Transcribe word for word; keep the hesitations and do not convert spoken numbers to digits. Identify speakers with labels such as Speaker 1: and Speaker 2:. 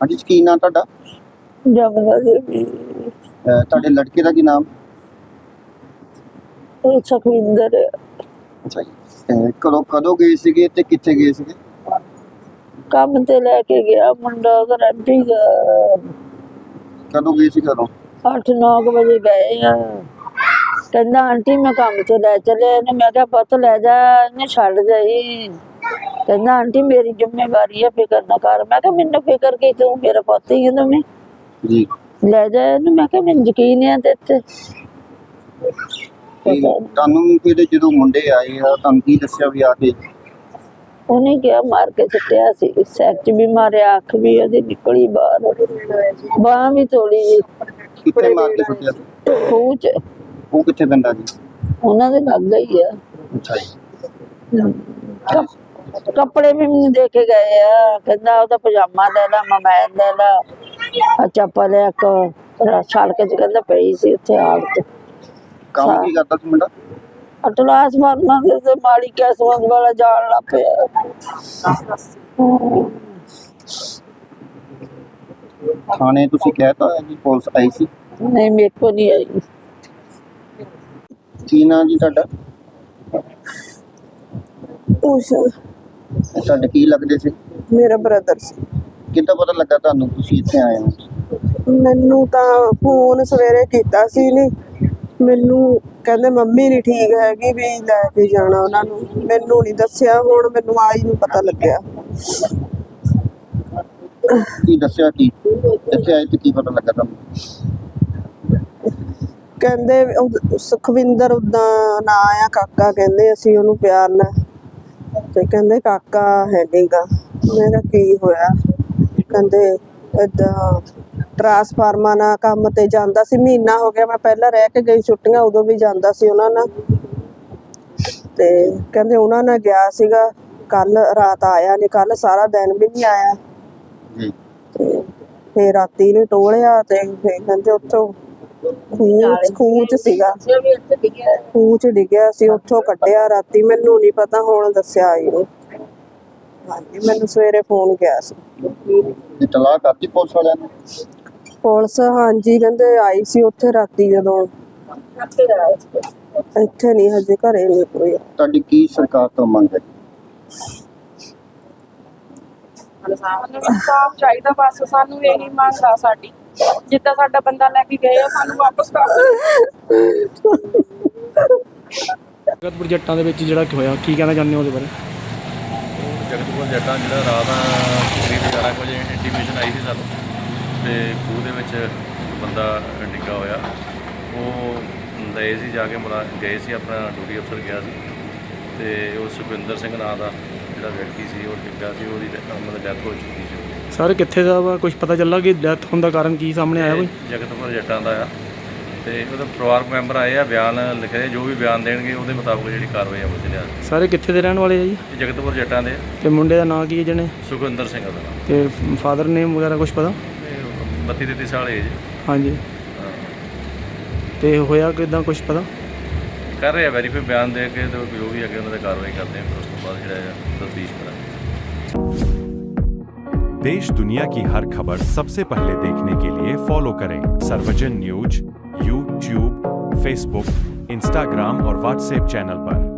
Speaker 1: ਹਾਂਜੀ ਜੀ, ਕੀ ਨਾਂ ਤੁਹਾਡਾ?
Speaker 2: ਜਮਨਾ ਦੇਵੀ।
Speaker 1: ਅਹ ਤੁਹਾਡੇ ਲੜਕੇ ਦਾ ਕੀ ਨਾਮ?
Speaker 2: ਉਹ ਸੁਖਵਿੰਦਰ
Speaker 1: ਅੱਛਾ ਜੀ। ਅਹ ਕਦੋਂ ਕਦੋਂ ਗਏ ਸੀਗੇ ਤੇ ਕਿੱਥੇ ਗਏ ਸੀਗੇ?
Speaker 2: ਕੰਮ ਤੇ ਲੈ ਕੇ ਗਿਆ ਮੁੰਡਾ ਉਹਦਾ ਰੈਂਪੀ ਦਾ।
Speaker 1: ਕਦੋਂ ਗਏ ਸੀ ਘਰੋਂ?
Speaker 2: ਅੱਠ ਨੌ ਕੁ ਵਜੇ ਗਏ ਆ। ਕਹਿੰਦਾ ਆਂਟੀ ਮੈਂ ਕੰਮ ਤੇ ਲੈ ਚੱਲਿਆ ਇਹਨੂੰ। ਮੈਂ ਕਿਹਾ ਪੁੱਤ ਲੈ ਜਾ, ਇਹਨੂੰ ਛੱਡ ਜਾਈ। ਕਹਿੰਦਾ ਆਂਟੀ ਮੇਰੀ ਜ਼ਿੰਮੇਵਾਰੀ ਆ, ਫਿਕਰ ਨਾ ਕਰ। ਮੈਂ ਕਿਹਾ ਮੈਨੂੰ ਫਿਕਰ ਕੀ, ਤੂੰ ਮੇਰਾ ਪੁੱਤ ਹੀ ਹੈ ਮੈਂ
Speaker 1: ਜੀ।
Speaker 2: ਲੈ ਜਾ ਇਹਨੂੰ। ਮੈਂ ਕਿਹਾ ਮੈਨੂੰ ਯਕੀਨ ਹੈ ਤੇ ਇੱਥੇ
Speaker 1: ਤੇ ਤੁਹਾਨੂੰ ਫਿਰ ਜਦੋਂ ਮੁੰਡੇ ਆਏ ਆ ਤੁਹਾਨੂੰ ਕੀ ਦੱਸਿਆ ਵੀ ਆ ਕੇ?
Speaker 2: ਉਹਨੇ ਕਿਹਾ ਮਾਰ ਕੇ ਸੁੱਟਿਆ ਸੀ, ਸਿਰ 'ਚ ਵੀ ਮਾਰਿਆ, ਅੱਖ ਵੀ ਉਹਦੀ ਨਿਕਲੀ ਬਾਹਰ, ਬਾਂਹ ਵੀ ਤੋੜੀ ਜੀ।
Speaker 1: ਕਿੱਥੇ ਮਾਰ ਕੇ ਸੁੱਟਿਆ ਸੀ?
Speaker 2: ਖੂਹ 'ਚ।
Speaker 1: ਉਹ ਕਿੱਥੇ ਪੈਂਦਾ ਜੀ?
Speaker 2: ਉਹਨਾਂ ਦੇ ਲੱਗ ਹੀ ਆ।
Speaker 1: ਅੱਛਾ ਜੀ।
Speaker 2: ਕੱਪ- ਕੱਪੜੇ ਵੀ ਮੈਨੂੰ ਦੇ ਕੇ ਗਏ ਆ। ਕਹਿੰਦਾ ਉਹਦਾ ਪਜਾਮਾ ਲੈ ਲਾ, ਮੋਬਾਈਲ ਲੈ ਲਾ, ਆਹ ਚੱਪਲ ਇੱਕ ਸੜਕ 'ਚ ਕਹਿੰਦਾ ਪਈ ਸੀ ਉੱਥੇ ਆੜ ਤੇ।
Speaker 1: ਕੰਮ ਕੀ ਕਰਦਾ ਸੀ ਮੁੰਡਾ?
Speaker 2: ਅਟਲਾਸ ਮਾਰਨਾ ਤੇ ਮਾੜੀ ਕਿਸਮਤ ਵਾਲਾ ਜਾਣ ਲੱਗ ਪਿਆ।
Speaker 1: ਥਾਣੇ ਤੁਸੀਂ ਕਹਿਤਾ ਜੀ ਪੁਲਿਸ ਆਈ ਸੀ?
Speaker 2: ਨਹੀਂ ਮੇਰੇ ਕੋ ਨਹੀਂ ਆਈ।
Speaker 1: ਕੀ ਨਾਂ ਜੀ ਤੁਹਾਡਾ?
Speaker 2: ਉਸ
Speaker 1: ਤੁਹਾਡੇ ਕੀ ਲੱਗਦੇ ਸੀ?
Speaker 2: ਮੇਰਾ ਬ੍ਰਦਰ ਸੀ।
Speaker 1: ਕਿੱਦਾਂ ਪਤਾ ਲੱਗਾ ਤੁਹਾਨੂੰ ਤੁਸੀਂ ਇੱਥੇ ਆਏ ਹੋ?
Speaker 2: ਮੈਨੂੰ ਤਾਂ ਫੋਨ ਸਵੇਰੇ ਕੀਤਾ ਸੀ ਨੇ, ਮੈਨੂੰ ਕਹਿੰਦੇ ਮੰਮੀ ਨਹੀਂ ਠੀਕ ਹੈਗੀ ਵੀ ਲੈ ਕੇ ਜਾਣਾ ਉਹਨਾਂ ਨੂੰ। ਮੈਨੂੰ ਨਹੀਂ ਦੱਸਿਆ, ਹੁਣ ਮੈਨੂੰ ਆਈ ਨੂੰ ਪਤਾ ਲੱਗਿਆ।
Speaker 1: ਕੀ ਦੱਸਿਆ ਕੀ ਇੱਥੇ ਆਏ ਤੇ ਕੀ ਪਤਾ ਲੱਗਾ ਤੁਹਾਨੂੰ?
Speaker 2: ਕਹਿੰਦੇ ਉਹ ਸੁਖਵਿੰਦਰ ਉਦਾਂ ਨਾਂ ਆ, ਕਾਕਾ ਕਹਿੰਦੇ ਅਸੀਂ ਉਹਨੂੰ ਪਿਆਰ ਨਾਲ, ਤੇ ਕਹਿੰਦੇ ਕਾਕਾ ਹੈ ਨੀਗਾ। ਮੈਂ ਕਿਹਾ ਕੀ ਹੋਇਆ? ਕਹਿੰਦੇ ਏਦਾਂ ਟਰਾਂਸਫਾਰਮਰ ਨਾਲ ਕੰਮ ਤੇ ਜਾਂਦਾ ਸੀ, ਮਹੀਨਾ ਹੋ ਗਿਆ ਮੈਂ ਪਹਿਲਾਂ ਰਹਿ ਕੇ ਗਈ ਛੁੱਟੀਆਂ, ਉਦੋਂ ਵੀ ਜਾਂਦਾ ਸੀ ਉਹਨਾਂ ਨਾਲ। ਤੇ ਕਹਿੰਦੇ ਉਹਨਾਂ ਨਾਲ ਗਿਆ ਸੀਗਾ, ਕੱਲ ਰਾਤ ਆਇਆ ਨਹੀਂ, ਕੱਲ ਸਾਰਾ ਦਿਨ ਵੀ ਨਹੀਂ ਆਇਆ।
Speaker 1: ਜੀ।
Speaker 2: ਤੇ ਫਿਰ ਰਾਤੀ ਨੇ ਟੋਲਿਆ ਤੇ ਫਿਰ ਕਹਿੰਦੇ ਉੱਥੋਂ ਖੂਹ ਖੂਹ 'ਚ ਸੀਗਾ, ਖੂਹ 'ਚ ਡਿੱਗਿਆ ਸੀ, ਉੱਥੋਂ ਕੱਢਿਆ ਰਾਤੀ। ਮੈਨੂੰ ਨਹੀਂ ਪਤਾ, ਹੁਣ ਦੱਸਿਆ ਆਈ ਨੂੰ। ਹਾਂਜੀ, ਮੈਨੂੰ ਸਵੇਰੇ ਫੋਨ ਗਿਆ ਸੀ।
Speaker 1: ਇਤਲਾਹ ਕਰਤੀ ਪੁਲਿਸ ਵਾਲਿਆਂ ਨੂੰ?
Speaker 2: ਪੁਲਿਸ ਹਾਂਜੀ ਕਹਿੰਦੇ ਆਈ ਸੀ ਉੱਥੇ ਰਾਤੀ, ਜਦੋਂ ਇੱਥੇ ਨਹੀਂ ਹਜੇ ਘਰੇ ਨਹੀਂ ਕੋਈ।
Speaker 1: ਤੁਹਾਡੀ ਕੀ ਸਰਕਾਰ ਤੋਂ ਮੰਗ ਹੈ?
Speaker 3: ਇਨਸਾਫ ਚਾਹੀਦਾ ਬਸ ਸਾਨੂੰ, ਇਹੀ ਮੰਗ ਆ ਸਾਡੀ। ਜਿੱਦਾਂ ਸਾਡਾ ਬੰਦਾ ਲੈ ਕੇ ਗਏ ਆ ਸਾਨੂੰ ਵਾਪਸ ਕਰ ਦਿਓ।
Speaker 4: ਜਗਤਪੁਰ ਜੱਟਾਂ ਦੇ ਵਿੱਚ ਜਿਹੜਾ ਹੋਇਆ, ਕੀ ਕਹਿਣਾ ਚਾਹੁੰਦੇ ਹੋ ਉਹਦੇ ਬਾਰੇ?
Speaker 5: ਜਗਤਪੁਰ ਜੱਟਾਂ ਜਿਹੜਾ ਰਾਤ ਤਕਰੀਬਨ ਗਿਆਰਾਂ ਕੁ ਵਜੇ ਇੰਟੀਮੇਸ਼ਨ ਆਈ ਸੀ ਸਾਨੂੰ, ਤੇ ਖੂਹ ਦੇ ਵਿੱਚ ਬੰਦਾ ਡਿੱਗਾ ਹੋਇਆ। ਉਹ ਗਏ ਸੀ ਜਾ ਕੇ ਮੁਲਾ ਗਏ ਸੀ, ਆਪਣਾ ਡਿਊਟੀ ਅਫਸਰ ਗਿਆ ਸੀ, ਤੇ ਉਹ ਸੁਖਵਿੰਦਰ ਸਿੰਘ ਨਾਂ ਦਾ ਜਿਹੜਾ ਵਿਅਕਤੀ ਸੀ ਉਹ ਡਿੱਗਾ ਸੀ, ਉਹਦੀ ਮਤਲਬ ਡੈਥ ਹੋ ਚੁੱਕੀ ਸੀ।
Speaker 4: ਸਰ ਕਿੱਥੇ ਦਾ ਵਾ, ਕੁਝ ਪਤਾ ਚੱਲਾ ਕਿ ਡੈਥ ਹੋਣ ਦਾ ਕਾਰਨ ਕੀ ਸਾਹਮਣੇ ਆਇਆ ਕੋਈ?
Speaker 5: ਜਗਤਪੁਰ ਜੱਟਾਂ ਦਾ ਆ, ਤੇ ਉਹਦੇ ਪਰਿਵਾਰਕ ਮੈਂਬਰ ਆਏ ਆ, ਬਿਆਨ ਲਿਖੇ, ਜੋ ਵੀ ਬਿਆਨ ਦੇਣਗੇ ਉਹਦੇ ਮੁਤਾਬਕ ਜਿਹੜੀ ਕਾਰਵਾਈ ਅਮਲ 'ਚ ਲਿਆ।
Speaker 4: ਸਾਰੇ ਕਿੱਥੇ ਦੇ ਰਹਿਣ ਵਾਲੇ ਆ ਜੀ?
Speaker 5: ਜਗਤਪੁਰ ਜੱਟਾਂ ਦੇ।
Speaker 4: ਤੇ ਮੁੰਡੇ ਦਾ ਨਾਂ ਕੀ ਹੈ ਜਿਹਨੇ?
Speaker 5: ਸੁਖਵਿੰਦਰ ਸਿੰਘ ਦਾ ਨਾਮ।
Speaker 4: ਤੇ ਫਾਦਰ ਨੇਮ ਵਗੈਰਾ ਕੁਝ ਪਤਾ?
Speaker 5: ਬੱਤੀ ਤੇਤੀ ਸਾਲ ਏਜ।
Speaker 4: ਹਾਂਜੀ। ਤੇ ਹੋਇਆ ਕਿੱਦਾਂ, ਕੁਝ ਪਤਾ?
Speaker 5: ਕਰ ਰਹੇ ਆ ਵੈਰੀਫਾਈ, ਬਿਆਨ ਦੇ ਕੇ ਤੇ ਜੋ ਵੀ ਅੱਗੇ ਉਹਨਾਂ 'ਤੇ ਕਾਰਵਾਈ ਕਰਦੇ ਆ, ਫਿਰ ਉਸ ਤੋਂ ਬਾਅਦ ਜਿਹੜਾ ਤਫਤੀਸ਼ ਕਰਾਂਗੇ।
Speaker 6: देश दुनिया की हर खबर सबसे पहले देखने के लिए फॉलो करें Sarvajan news YouTube, Facebook, Instagram और व्हाट्सएप चैनल पर।